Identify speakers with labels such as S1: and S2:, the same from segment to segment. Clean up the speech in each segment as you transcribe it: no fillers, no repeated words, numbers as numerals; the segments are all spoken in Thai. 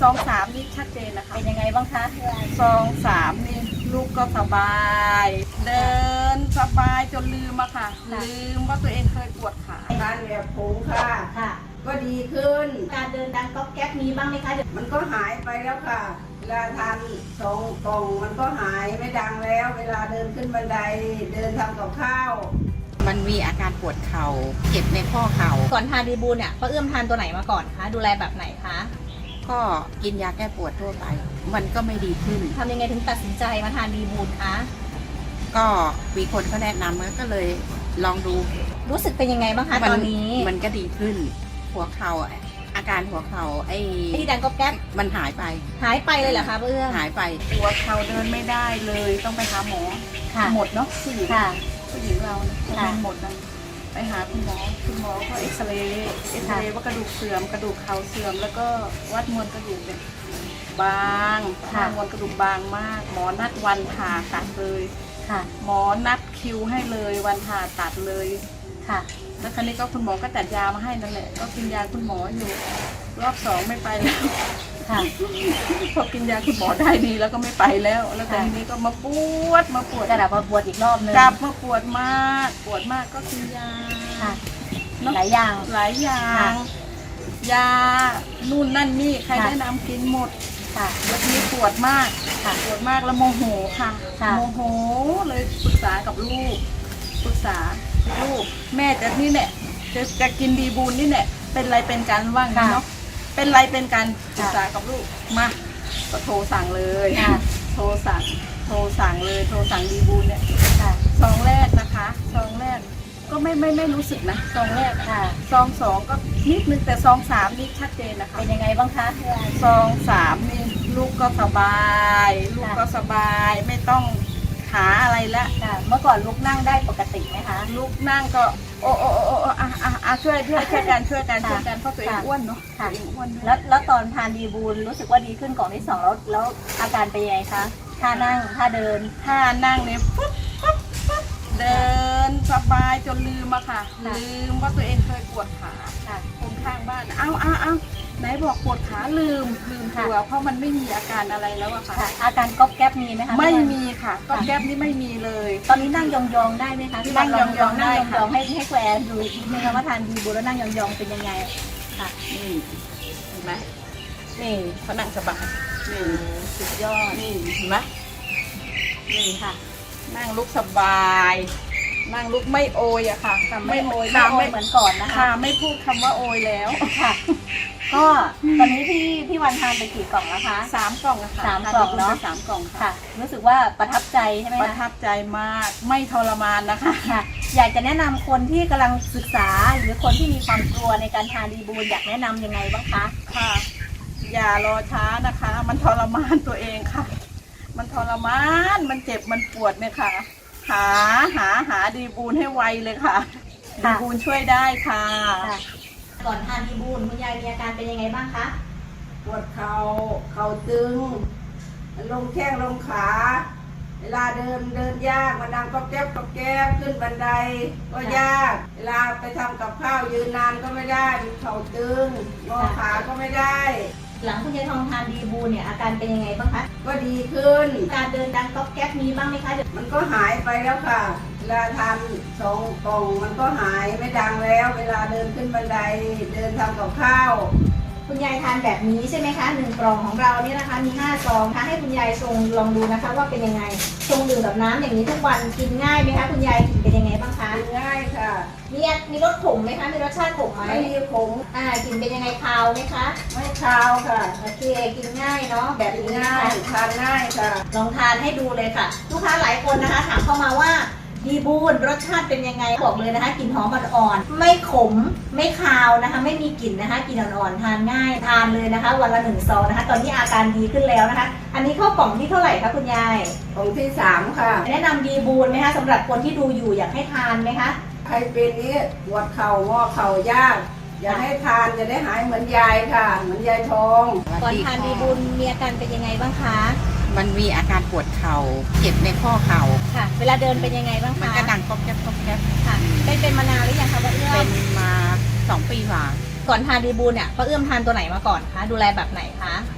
S1: ซอง3นี่ชัดเจนนะคะ
S2: เป็นยังไงบ้างคะ
S1: ซอง3นี่ลูกก็สบาย เดินสบายจนลืมอะค่ะลืมว่าตัวเองเคยปวดขา
S3: ทานแบบผงค่ะ
S2: ค่ะ
S3: ก็ดีขึ้น
S2: การเดินดังก๊อบแก๊บมีบ้างไหมคะ
S3: มันก็หายไปแล้วค่ะเวลาทาน2 กล่องมันก็หายไม่ดังแล้วเวลาเดินขึ้นบันไดเดินทำกับข้าว
S4: มันมีอาการปวดเข่าเจ็บในข้อเข่า
S2: ก่อนทานดีบูลเนี่ยป้าเอื้อมทานตัวไหนมาก่อนคะดูแลแบบไหนคะ
S4: ก็กินยาแก้ปวดทั่วไปมันก็ไม่ดีขึ้น
S2: ทำยังไงถึงตัดสินใจมาทานดีบูลคะ
S4: ก็มีคนเขาแนะนำก็เลยลองดู
S2: รู้สึกเป็นยังไงบ้างคะตอนนี้
S4: มันก็ดีขึ้นหัวเข่าอาการหัวเข่า
S2: ที่ดังก๊อบแก๊บ
S4: มันหายไป
S2: เลยเหรอคะป้าเอื้อม
S4: หายไป
S1: หัวเข่าเดินไม่ได้เลยต้องไปหาหมอหมดเนาะผู้หญิงเราเป็นหมดนะไปหาคุณหมอก็เอ็กซเรย์ว่ากระดูกเสื่อมกระดูกเข่าเสื่อมแล้วก็วัดมวลกระดูกเป็นบางมวลกระดูกบางมากหมอนัดวันผ่าตัดเลยหมอนัดคิวให้เลยวันผ่าตัดเลยแล้วครั้นี้ก็คุณหมอก็จัดยามาให้นั่นแหละก็กินยาคุณหมออยู่รอบ2ไม่ไปแล้วพอกินยาคุณหมอได้ดีแล้วก็ไม่ไปแล้วแต่ทีนี้ก็มาปวด
S2: กลับมาปวดอีกรอบนึง
S1: กลับมาปวดมากก็กินยา
S2: หลายอย่าง
S1: ยานู่นนั่นนี่ใครแนะนำกินหมดแล้วทีนี้ปวดมากแล้วโมโหค่ะโมโหเลยปรึกษากับลูกแม่จะนี่แหละจะกินดีบูลนี่แหละเป็นไรเป็นกันว่างเนาะเป็นไรเป็นกันปรึกษากับลูกมาก็โทรสั่งเลยโทรสั่งดีบูลเนี่ยซองแรกนะคะซองแรกก็ไม่รู้สึกนะซองแรกซอง2ก็นิดนึงแต่ซอง3นี่ชัดเจนนะคะ
S2: เป็นยังไงบ้างคะ
S1: ซอง3นี่ลูกก็สบายไม่ต้องหาอะไรแล้ว
S2: เมื่อก่อนลูกนั่งได้ปกติไหมคะ
S1: ลูกนั่งก็ช่วยกันเพราะตัวเองอ้วนเนาะอ้วน
S2: แล้วตอนทานดีบูลรู้สึกว่าดีขึ้นกล่องที่2แล้วอาการเป็นยังไงคะท่านั่งท่าเดิน
S1: ท่านั่งเนี่ยปุ๊บเดินสบายจนลืมอะค่ะลืมว่าตัวเองเคยปวดขาคนข้างบ้านเอาไหนบอกปวดขาลืมตัวเพราะมันไม่มีอาการอะไรแล้วอะค่ะ
S2: อาการก๊อบแก๊บมีไหมคะ
S1: ไม่มีค่ะก๊อบแก๊บนี่ไม่มีเลย
S2: ตอนนี้นั่งยองๆได้ไหมคะ
S1: นั่งยองได้ค่ะ
S2: ให้แกวนดูนะคะว่าทานดีบูลแล้วนั่งยองๆเป็นยังไงค่ะ
S1: นี่เห็นไหม
S2: นี่
S1: เขานั่งสบายนี่สุดยอดนี่เห็นไหมนี่ค่ะนั่งลุกสบายนั่งลุกไม่โอยอะค่ะ
S2: ไม่โอยเหมือนก่อนนะคะ
S1: ไม่พูดคำว่าโอยแล้ว
S2: ค่ะก็ตอนนี้พี่วันทานไปกี่กล่องแล้วคะ
S1: 3 กล่องค่ะ
S2: 3 กล่องเนาะ
S1: 3 กล่อง
S2: ค่ะรู้สึกว่าประทับใจใช่ไหมคะ
S1: ประทับใจมากไม่ทรมานนะคะ
S2: อยากจะแนะนำคนที่กำลังศึกษาหรือคนที่มีความกลัวในการทานดีบูลอยากแนะนำยังไงบ้างคะ
S1: ค่ะอย่ารอช้านะคะมันทรมานตัวเองค่ะมันทรมานมันเจ็บมันปวดเนี่ยค่ะหาดีบูลให้ไวเลยค่ะดีบูลช่วยได้ค่ะ
S2: ก่อนทานดีบูลคุณยายมีอาการเป็นยังไงบ้างคะ
S3: ปวดเข่าตึงลงแข้งลงขาเวลาเดินยากมันดังก็แก๊บขึ้นบันไดก็ยากเวลาไปทำกับข้าวยืนนานก็ไม่ได้เข่าตึงงอขาก็ไม่ได้
S2: หลังคุณยายทองทานดีบูลเนี่ยอาการเป็นยังไงบ้างคะ
S3: ก็ดีขึ้น
S2: การเดินดังก๊อบแก๊บมีบ้างไหมคะ
S3: มันก็หายไปแล้วค่ะเวลาทาน2 กล่องมันก็หายไม่ดังแล้วเวลาเดินขึ้นบันไดเดินทำกับข้าว
S2: คุณยายทานแบบนี้ใช่ไหมคะ1 กล่องของเราเนี่ยนะคะมี5 ซองนะคะให้คุณยายชงลองดูนะคะว่าเป็นยังไงชงดื่มแบบน้ำอย่างนี้ทุกวันกินง่ายไหมคะคุณยายกินเป็นยังไงบ้างคะ
S3: ง่ายค่ะ
S2: มีรสขมไหมคะมีรสชาติขมไหม
S3: ไม่มีขม
S2: กินเป็นยังไงคาวไหมคะ
S3: ไม่คาวค่ะ
S2: โอเคกินง่ายเนาะแบบนี้
S3: ง่ายทานง่ายค่ะ
S2: ลองทานให้ดูเลยค่ะลูกค้าหลายคนนะคะถามเข้ามาว่าดีบูลรสชาติเป็นยังไงบอกเลยนะคะกลิ่นหอมอ่อนๆไม่ขมไม่คาวนะคะไม่มีกลิ่นนะคะกลิ่นอ่อนๆทานง่ายทานเลยนะคะวันละ1 ซองนะคะตอนนี้อาการดีขึ้นแล้วนะคะอันนี้เข้ากล่องที่เท่าไหร่คะคุณยาย
S3: กล่องที่3ค่ะ
S2: แนะนำดีบูลไหมคะสำหรับคนที่ดูอยู่อยากให้ทานไหมคะ
S3: ใครเป็นนี้ปวดเข่างอเข่ายากอยากให้ทานจะได้หายเหมือนยายค่ะเหมือนยายทอง
S2: ก่อนทานดีบูลมีอาการเป็นยังไงบ้างคะ
S4: มันมีอาการปวดเข่าเจ็บในข้อเข่า
S2: ค่ะเวลาเดินเป็นยังไงบ้างคะ
S4: มันก็ดังก๊อบแก๊บ
S2: ค่ะเป็นมานานหรือยังคะป้าเอื้อม
S4: เป็นมา2 ปีกว่า
S2: ก่อนทานดีบูลเนี่ยป้าเอื้อมทานตัวไหนมาก่อนคะดูแลแบบไหนคะ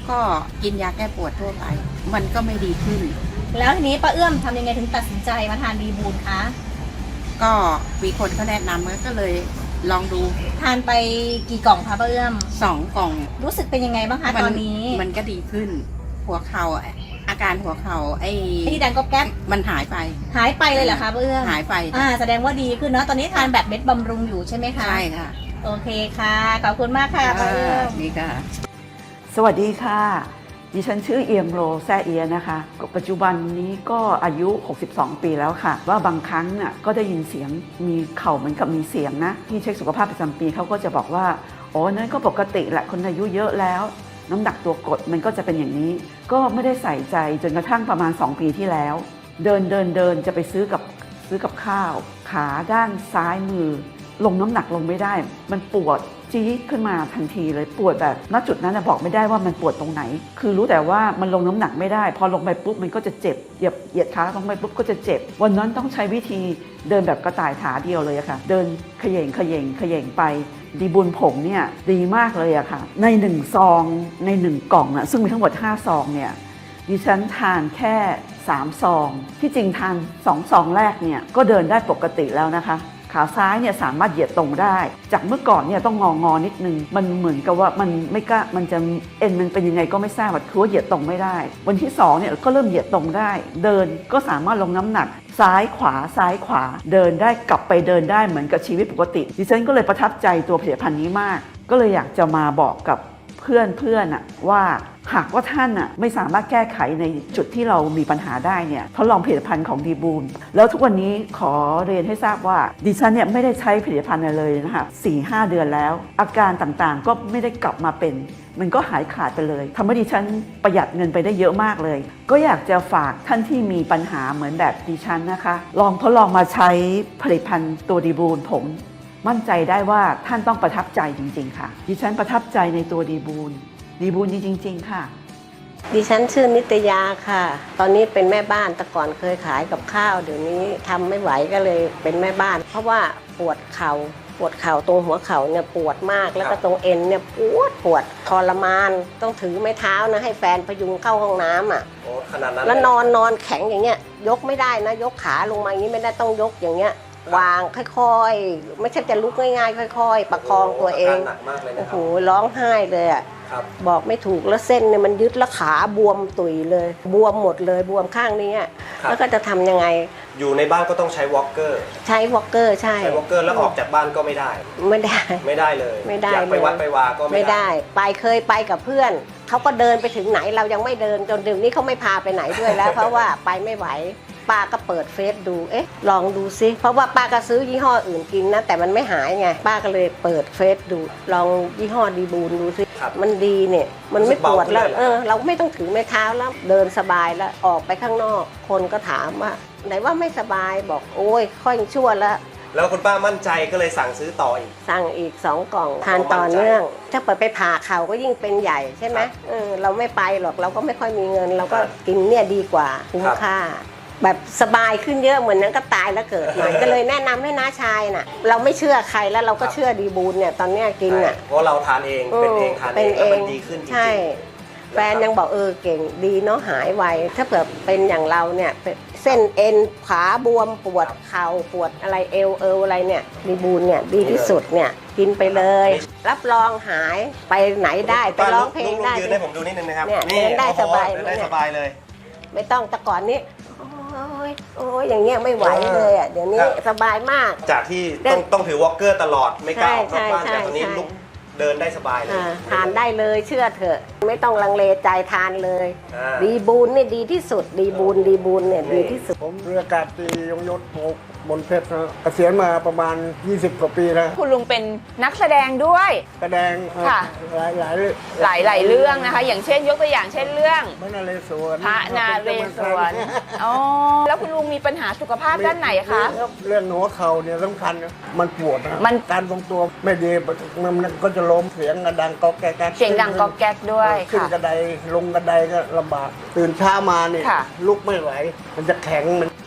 S4: ก็กินยาแก้ปวดทั่วไป มันก็ไม่ดีขึ้น
S2: แล้วทีนี้ป้าเอื้อมทำยังไงถึงตัดสินใจมาทานดีบูลคะ
S4: ก็มีคนเขาแนะนำก็เลยลองดู
S2: ทานไปกี่กล่องคะป้าเอื้อม
S4: 2 กล่อง
S2: รู้สึกเป็นยังไงบ้างคะตอนนี้
S4: มันก็ดีขึ้น หัวเข่าอาการหัวเข่า
S2: ที่ดังก็แก๊บ
S4: มันหายไป
S2: หายไปเลยเหรอคะป้าเอื้อม
S4: หายไป
S2: แสดงว่าดีขึ้นเนาะตอนนี้ทานแบบเม็ดบำรุงอยู่ใช่ไหมคะ
S4: ใช่ค่ะ
S2: โอเคค่ะขอบคุณมากค่ะป้าเอื้อม
S4: นี่ค่ะ
S5: สวัสดีค่ะ ดิฉันชื่อเอียมโรแซ่เอียนะคะปัจจุบันนี้ก็อายุ 62 ปีแล้วค่ะ ว่าบางครั้งน่ะก็ได้ยินเสียงมีเข่าเหมือนกับมีเสียงนะที่เช็คสุขภาพประจำปีเขาก็จะบอกว่าอ๋อนั่นก็ปกติแหละคนอายุเยอะแล้วน้ำหนักตัวกดมันก็จะเป็นอย่างนี้ ก็ไม่ได้ใส่ใจจนกระทั่งประมาณ 2 ปีที่แล้ว เดินจะไปซื้อกับข้าวขาด้านซ้ายมือลงน้ำหนักลงไม่ได้มันปวดจี๊ดขึ้นมาทันทีเลยปวดแบบณจุดนั้นบอกไม่ได้ว่ามันปวดตรงไหนคือรู้แต่ว่ามันลงน้ำหนักไม่ได้พอลงไปปุ๊บมันก็จะเจ็บเหยียดขาลงไปปุ๊บก็จะเจ็บวันนั้นต้องใช้วิธีเดินแบบกระต่ายขาเดียวเลยค่ะเดินเขย่งไปดีบุญผงเนี่ยดีมากเลยอะค่ะใน1 ซองใน1 กล่องนะซึ่งมีทั้งหมด5 ซองเนี่ยดิฉันทานแค่3 ซองที่จริงทาน2 ซองแรกเนี่ยก็เดินได้ปกติแล้วนะคะขาซ้ายเนี่ยสามารถเหยียดตรงได้จากเมื่อก่อนเนี่ยต้องงอนิดนึงมันเหมือนกับว่ามันไม่กล้ามันจะเอ็นมันเป็นยังไงก็ไม่ทราบคือว่าเหยียดตรงไม่ได้วันที่2เนี่ยก็เริ่มเหยียดตรงได้เดินก็สามารถลงน้ำหนักซ้ายขวาเดินได้กลับไปเดินได้เหมือนกับชีวิตปกติดิฉันก็เลยประทับใจตัวผลิตภัณฑ์นี้มากก็เลยอยากจะมาบอกกับเพื่อนว่าหากว่าท่านไม่สามารถแก้ไขในจุดที่เรามีปัญหาได้เนี่ยทดลองผลิตภัณฑ์ของดีบูลแล้วทุกวันนี้ขอเรียนให้ทราบว่าดิฉันเนี่ยไม่ได้ใช้ผลิตภัณฑ์อะไรเลยนะคะ 4-5 เดือนแล้วอาการต่างๆก็ไม่ได้กลับมาเป็นมันก็หายขาดไปเลยทำให้ดิฉันประหยัดเงินไปได้เยอะมากเลยก็อยากจะฝากท่านที่มีปัญหาเหมือนแบบดิฉันนะคะลองทดลองมาใช้ผลิตภัณฑ์ตัวดีบูลผมมั่นใจได้ว่าท่านต้องประทับใจจริงๆค่ะดิฉันประทับใจในตัวดีบูลดีจริงๆค่ะ
S6: ดิฉันชื่อนิตยาค่ะ ตอนนี้เป็นแม่บ้านแต่ก่อนเคยขายกับข้าวเดี๋ยวนี้ทำไม่ไหวก็เลยเป็นแม่บ้าน เพราะว่าปวดเข่าตรงหัวเข่าเนี่ยปวดมากแล้วก็ตรงเอ็นเนี่ยปวดทรมานต้องถือไม้เท้านะให้แฟนพยุงเข้าห้องน้ำอ่ะขนาดนั้นแล้วนอนแข็งอย่างเงี้ยยกไม่ได้นะยกขาลงมาอย่างนี้ไม่ได้ต้องยกอย่างเงี้ยวางค่อยๆไม่ใช่จะลุกง่ายๆค่อยๆประคองตัวเองโอ้โหร้องไห้เลยอ่ะบอกไม่ถูกแล้วเส้นเนี่ยมันยึดแล้วขาบวมตุยเลยบวมหมดเลยบวมข้างนี้แล้วก็จะทำยังไง
S7: อยู่ในบ้านก็ต้องใช้วอล์กเกอร์
S6: ใช้วอล์กเกอร์ใช่
S7: วอล์กเกอร์แล้วออกจากบ้านก็ไม่ได้
S6: ไม่ได้
S7: เลยอยากไปวัดไปวาก็ไม่ได้
S6: เคยไปกับเพื่อนเขาก็เดินไปถึงไหนเรายังไม่เดินจนเดี๋ยวนี้เขาไม่พาไปไหนด้วยแล้ว เพราะว่าไปไม่ไหวป้าก็เปิดเฟซดูลองดูซิเพราะว่าป้าก็ซื้อยี่ห้ออื่นกินนะแต่มันไม่หายไงป้าก็เลยเปิดเฟซดูลองยี่ห้อดีบูลดูซิมันดีเนี่ยมันไม่ปวดแล้วเราไม่ต้องถือไม้เท้าแล้วเดินสบายแล้วออกไปข้างนอกคนก็ถามว่าไหนว่าไม่สบายบอกโอ้ยค่อยชั่วแล้ว
S7: คุณป้ามั่นใจก็เลยสั่งซื้อต่ออีก
S6: สั่งอีก2 กล่องทานต่อเนื่องถ้าเปิดไปผ่าเข่าก็ยิ่งเป็นใหญ่ใช่ไหมเราไม่ไปหรอกเราก็ไม่ค่อยมีเงินเราก็กินเนี่ยดีกว่าคุ้มค่าแบบสบายขึ้นเยอะเหมือนนั้นก็ตายแล้วเกิดใหม่ก็เลยแนะนำให้น้าชายน่ะเราไม่เชื่อใครแล้วเราก็เชื่อดีบูลเนี่ยตอนเนี้ยกินอ่ะ
S7: เพราะเราทานเองเป็นเองทานเองแล้วมันดีขึ้นจริงๆ
S6: ใช่แฟนยังบอกเก่งดีเนาะหายไวถ้าเผื่อเป็นอย่างเราเนี่ยเส้นเอ็นขาบวมปวดเข่าปวดอะไรเอวอะไรเนี่ยดีบูลเนี่ยดีที่สุดเนี่ยกินไปเลยรับรองหายไปไหนได้ไปร้องเพลงได้
S7: ยืนให้ผมดูนิดนึงนะครับ
S6: นี่เดินได้สบาย
S7: ได้สบายเลย
S6: ไม่ต้องแต่ก่อนนี้โอ้ยอย่างเงี้ยไม่ไหวเลยอ่ะเดี๋ยวนี้สบายมาก
S7: จากที่ต้องถือวอล์กเกอร์ตลอดไม่กล้าออกนอกบ้านแต่ตอนนี้ลุกเดินได้สบายเลย
S6: ทานได้เลยเชื่อเถอะไม่ต้องลังเลใจทานเลยดีบูลเนี่ยดีที่สุดดีบูลเนี่ยดีที่สุด
S8: ผมเรืออากาศตรียงยศบนเพชรนะเกษียณมาประมาณ20 กว่าปีแล้ว
S9: คุณลุงเป็นนักแสดงด้วย
S8: แสดงหลาย
S9: เรื่องนะคะอย่างเช่นยกตัวอย่างเช่นเรื่อง
S8: พระนาเรศวร
S9: อ๋อแล้วคุณลุงมีปัญหาสุขภาพด้านไหนคะ
S8: เรื่องหัวเข่าเนี่ยสำคัญมันปวดนะการทรงตัวไม่ดีมันก็จะล้มเสียงดังก๊อกแก๊ก
S9: เสียงดังก๊อกแก๊กด้วย
S8: ขึ้นกระไดลงกระไดก็ลำบากตื่นเช้ามาเนี่ยลุกไม่ไหวมันจะแข็งมัน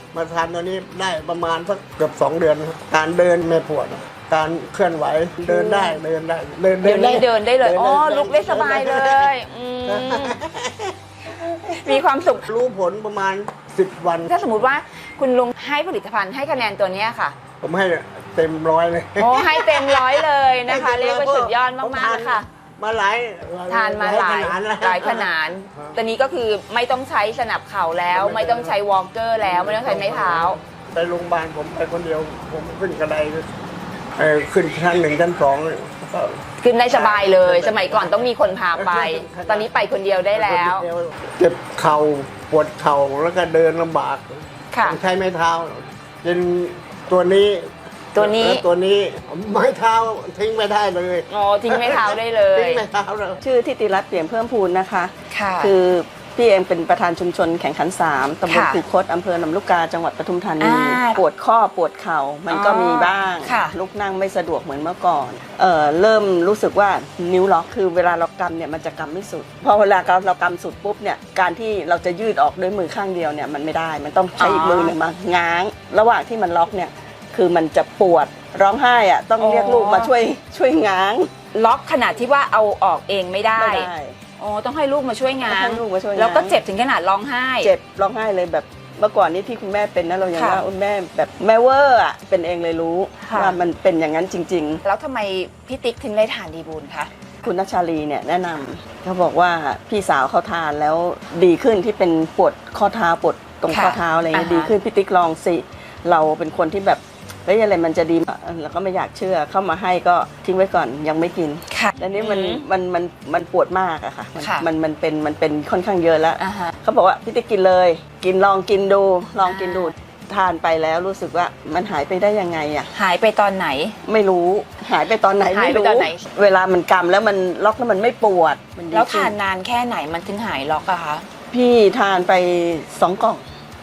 S8: มาทานตัวนี้ได้ประมาณสักเกือบ2 เดือนครับการเดินไม่ปวดการเคลื่อนไหวเดินได้เดินได้เดิน
S9: เดี๋ยวนี้เดินได้เลยอ๋อลุกได้สบายเลยมีความสุข
S8: รู้ผลประมาณ10 วัน
S9: ถ้าสมมติว่าคุณลุงให้ผลิตภัณฑ์ให้คะแนนตัวเนี้ยค่ะ
S8: ผมให้เต็ม100เลย
S9: โอ้ให้เต็ม100เลยนะคะเรียกว่าสุดยอดมากๆเลยค่ะ
S8: มาหลาย
S9: ทานมาหลายขนาดตอนนี้ก็คือไม่ต้องใช้สนับเข่าแล้วไม่ต้องใช้วอล์กเกอร์แล้วไม่ต้องใช้ไม้เท้า
S8: ไปโรงพยาบาลผมไปคนเดียวผมขึ้นกระไดขึ้นชั้น1 ชั้น 2ก็
S9: ขึ้นได้สบายเลยสมัยก่อนต้องมีคนพาไป ตอนนี้ไปคนเดียวได้แล้ว
S8: เจ็บเข่าปวดเข่าแล้วก็เดินลำบาก
S9: ค่ะ
S8: ใช้ไม้เท้ากินตัวนี้แล้วตัวนี้ไม้เท้าทิ้งไม่ได้เลย
S9: อ๋อทิ้งไม้เท้าได้เลย
S8: ทิ้งไม้เท้าเลย
S5: ชื่อทิติรัตน์เปี่ยมเพิ่มพูนนะคะ
S9: ค่ะ
S5: คือพี่เองเป็นประธานชุมชนแข่งขัน3ตำบล
S9: ค่ะ
S5: คูคตอำเภอลำลูกกาจังหวัดปทุมธานี
S9: อ่า
S5: ปวดข้อปวดเข่ามันก็มีบ้าง
S9: ค่ะ
S5: ลุกนั่งไม่สะดวกเหมือนเมื่อก่อนเริ่มรู้สึกว่านิ้วล็อกคือเวลาเรากำเนี่ยมันจะกำไม่สุดพอเวลาเรากำสุดปุ๊บเนี่ยการที่เราจะยืดออกด้วยมือข้างเดียวเนี่ยมันไม่ได้มันต้องใช้อีกมือหนึ่งมาง้างระหว่างที่มันล็อกเนี่ยคือมันจะปวดร้องไห้อะต้องเรียกลูกมาช่วยง้าง
S9: ล็อกขนาดที่ว่าเอาออกเองไม่ได้อ๋อต้องให้ลูกมาช่วยงาน
S5: ให้ลูกมาช่วยงาน
S9: แล้วก็เจ็บถึงขนาดร้องไห้
S5: เจ็บร้องไห้เลยแบบเมื่อก่อนนี้ที่คุณแม่เป็นนะเรายัง
S9: ค่ะ
S5: ว่าแม่แบบแม่เวอร์อ่ะเป็นเองเลยรู้
S9: ค่ะ
S5: ว่ามันเป็นอย่างนั้นจริง
S9: แล้วทำไมพี่ติ๊กถึงได้ทานดีบูลคะ
S5: ๆ คุณนัชชาลีเนี่ยแนะนำเขาบอกว่าพี่สาวเขาทานแล้วดีขึ้นที่เป็นปวดข้อเท้าปวดตรงข้อเท้าอะไรเงี้ยดีขึ้นพี่ติ๊กลองสิเราเป็นคนที่แบบเฮ้ยอะไรมันจะดีเราก็ไม่อยากเชื่อเข้ามาให้ก็ทิ้งไว้ก่อนยังไม่กิน
S9: ค่ะ
S5: แล้วนี้มันปวดมากอะค่ะ
S9: ค่ะ
S5: มันเป็นค่อนข้างเยอะแล้ว
S9: อ่าฮะ
S5: เขาบอกว่าพี่ติ๊กกินเลยลองกินดูทานไปแล้วรู้สึกว่ามันหายไปได้ยังไงอะ
S9: หายไปตอนไหน
S5: ไม่รู้หายไปตอนไหน
S9: หาย
S5: ไม่
S9: ไป
S5: รู้
S9: ตอนไหน
S5: เวลามันกำแล้วมันล็อกแล้วมันไม่ปวดมันดี
S9: แล้ว
S5: ขึ้
S9: ทานนานแค่ไหนมันถึงหายล็อกอะคะ
S5: พี่ทานไป2 กล่อง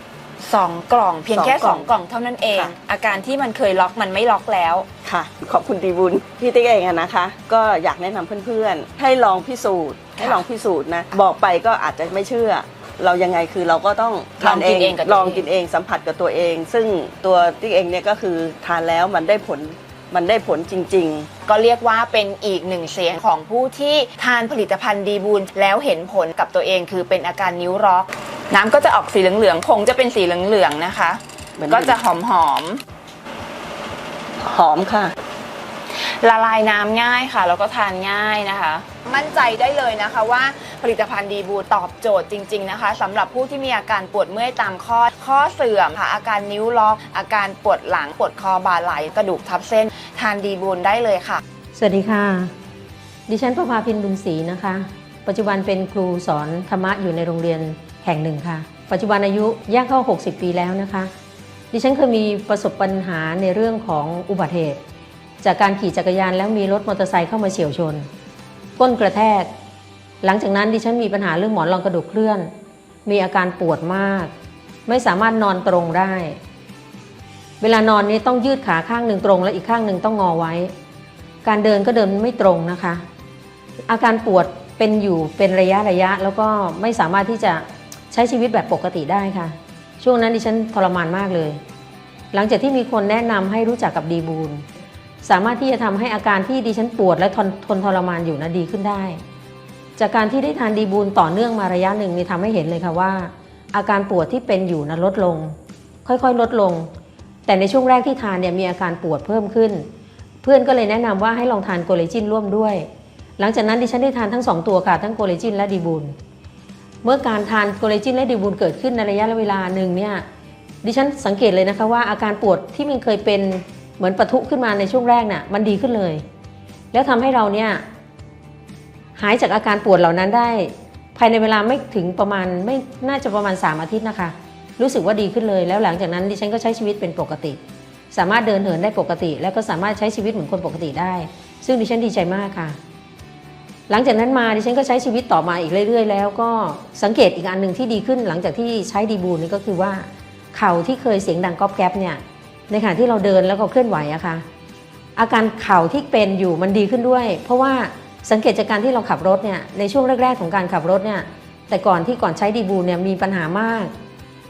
S9: 2 กล่องเพียงแค่
S5: 2 กล่อง
S9: 2 กล่องเท่านั้นเอง
S5: ค่ะ
S9: อาการที่มันเคยล็อกมันไม่ล็อกแล้ว
S5: ค่ะขอบคุณดีบุญพี่ติ๊กเองอะนะคะ ก็อยากแนะนำเพื่อนๆให้ลองพิสูจน์นะบอกไปก็อาจจะไม่เชื่อ เรายังไงคือเราก็ต้องทาน
S9: ลองกินเองกับตัวเอง
S5: ลองกินเองสัมผัสกับตัวเอง ซึ่งตัวติ๊กเองเนี่ยก็คือทานแล้วมันได้ผลจริง ๆ
S9: ก็เรียกว่าเป็นอีกหนึ่งเสียงของผู้ที่ทานผลิตภัณฑ์ดีบูลแล้วเห็นผลกับตัวเองคือเป็นอาการนิ้วล็อก น้ำก็จะออกสีเหลืองๆผงจะเป็นสีเหลืองๆนะคะ
S5: เหมือน
S9: ก็จะหอม
S5: หอมค่ะ
S9: ๆละลายน้ำง่ายค่ะแล้วก็ทานง่ายนะคะ มั่นใจได้เลยนะคะว่าผลิตภัณฑ์ดีบูลตอบโจทย์จริงๆนะคะสำหรับผู้ที่มีอาการปวดเมื่อยตามข้อเสื่อมค่ะอาการนิ้วล็อกอาการปวดหลังปวดคอบ่าไหล่กระดูกทับเส้นทานดีบูลได้เลยค่ะ
S10: สวัสดีค่ะ ดิฉันประภาพินบุญศรีนะคะ ปัจจุบันเป็นครูสอนธรรมะอยู่ในโรงเรียนแห่งหนึ่งค่ะ ปัจจุบันอายุย่างเข้า 60 ปีแล้วนะคะ ดิฉันเคยมีประสบปัญหาในเรื่องของอุบัติเหตุจากการขี่จักรยานแล้วมีรถมอเตอร์ไซค์เข้ามาเฉี่ยวชน ก้นกระแทก หลังจากนั้นดิฉันมีปัญหาเรื่องหมอนรองกระดูกเคลื่อน มีอาการปวดมาก ไม่สามารถนอนตรงได้ เวลานอนนี้ต้องยืดขาข้างหนึ่งตรงและอีกข้างหนึ่งต้องงอไว้ การเดินก็เดินไม่ตรงนะคะ อาการปวดเป็นอยู่เป็นระยะแล้วก็ไม่สามารถที่จะใช้ชีวิตแบบปกติได้ค่ะ ช่วงนั้นดิฉันทรมานมากเลย หลังจากที่มีคนแนะนำให้รู้จักกับดีบูลสามารถที่จะทำให้อาการที่ดิฉันปวดและทนทรมานอยู่นะดีขึ้นได้ จากการที่ได้ทานดีบูลต่อเนื่องมาระยะหนึ่งนี่ทำให้เห็นเลยค่ะว่า อาการปวดที่เป็นอยู่นะลดลงค่อยๆลดลง แต่ในช่วงแรกที่ทานเนี่ยมีอาการปวดเพิ่มขึ้น เพื่อนก็เลยแนะนำว่าให้ลองทานโกเลจินร่วมด้วย หลังจากนั้นดิฉันได้ทานทั้ง2ตัวค่ะทั้งโกเลจินและดีบูลเมื่อการทานโกเลจินและดีบูลเกิดขึ้นในระยะเวลาหนึ่งเนี่ยดิฉันสังเกตเลยนะคะว่าอาการปวดที่มันเคยเป็นเหมือนปะทุขึ้นมาในช่วงแรกน่ะมันดีขึ้นเลย แล้วทำให้เราเนี่ยหายจากอาการปวดเหล่านั้นได้ภายในเวลาไม่ถึงประมาณไม่น่าจะประมาณ3 อาทิตย์นะคะรู้สึกว่าดีขึ้นเลยแล้วหลังจากนั้นดิฉันก็ใช้ชีวิตเป็นปกติสามารถเดินเหินได้ปกติแล้วก็สามารถใช้ชีวิตเหมือนคนปกติได้ซึ่งดิฉันดีใจมากค่ะหลังจากนั้นมาดิฉันก็ใช้ชีวิตต่อมาอีกเรื่อยๆแล้วก็สังเกตอีกอันหนึ่งที่ดีขึ้นหลังจากที่ใช้ดีบูลนี่ก็คือว่าเข่าที่เคยเสียงดังก๊อบแก๊บเนี่ยในขณะที่เราเดินแล้วก็เคลื่อนไหวอะค่ะอาการเข่าที่เป็นอยู่มันดีขึ้นด้วยเพราะว่าสังเกตจากการที่เราขับรถเนี่ยในช่วงแรกๆของการขับรถเนี่ยแต่ก่อนใช้ดีบูลเนี่ยมีปัญหามาก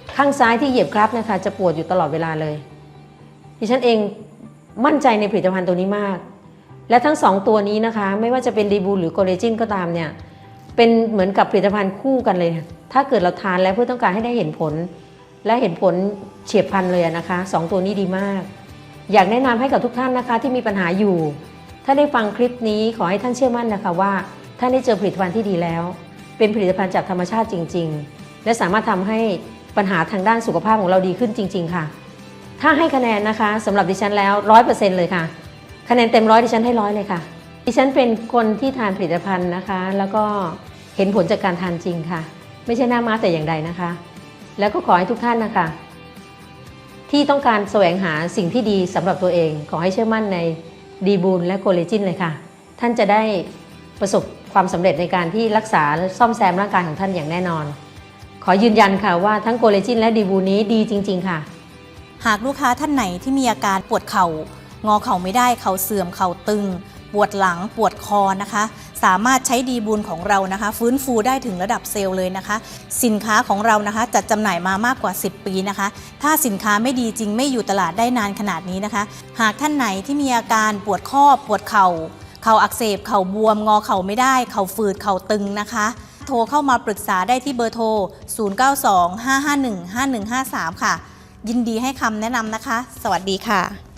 S10: ข้างซ้ายที่เหยียบครับนะคะจะปวดอยู่ตลอดเวลาเลยดิฉันเองมั่นใจในผลิตภัณฑ์ตัวนี้มากและทั้ง2ตัวนี้นะคะไม่ว่าจะเป็นดีบูลหรือโคเลจินก็ตามเนี่ยเป็นเหมือนกับผลิตภัณฑ์คู่กันเลยถ้าเกิดเราทานแล้วเพื่อต้องการให้ได้เห็นผลและเห็นผลเฉียบพลันเลยนะคะ2ตัวนี้ดีมากอยากแนะนำให้กับทุกท่านนะคะที่มีปัญหาอยู่ถ้าได้ฟังคลิปนี้ขอให้ท่านเชื่อมั่นนะคะว่าท่านได้เจอผลิตภัณฑ์ที่ดีแล้วเป็นผลิตภัณฑ์จากธรรมชาติจริงๆและสามารถทำให้ปัญหาทางด้านสุขภาพของเราดีขึ้นจริงๆค่ะถ้าให้คะแนนนะคะสำหรับดิฉันแล้ว 100% เลยค่ะคะแนนเต็ม100ดิฉันให้100เลยค่ะดิฉันเป็นคนที่ทานผลิตภัณฑ์นะคะแล้วก็เห็นผลจากการทานจริงค่ะไม่ใช่หน้าม้าแต่อย่างใดนะคะแล้วก็ขอให้ทุกท่านนะคะที่ต้องการแสวงหาสิ่งที่ดีสำหรับตัวเองขอให้เชื่อมั่นในดีบูลและโคเลจินเลยค่ะท่านจะได้ประสบความสำเร็จในการที่รักษาและซ่อมแซมร่างกายของท่านอย่างแน่นอนขอยืนยันค่ะว่าทั้งโคเลจินและดีบูลนี้ดีจริงๆค่ะ
S11: หากลูกค้าท่านไหนที่มีอาการปวดเข่างอเข่าไม่ได้เข่าเสื่อมเข่าตึงปวดหลังปวดคอนะคะสามารถใช้ดีบูลของเรานะคะฟื้นฟูได้ถึงระดับเซลล์เลยนะคะสินค้าของเรานะคะจัดจำหน่ายมามากกว่า10 ปีนะคะถ้าสินค้าไม่ดีจริงไม่อยู่ตลาดได้นานขนาดนี้นะคะหากท่านไหนที่มีอาการปวดข้อปวดเข่าอักเสบเข่าบวมงอเข่าไม่ได้เข่าฝืดเข่าตึงนะคะโทรเข้ามาปรึกษาได้ที่เบอร์โทร 0925515153 ค่ะยินดีให้คำแนะนำนะคะสวัสดีค่ะ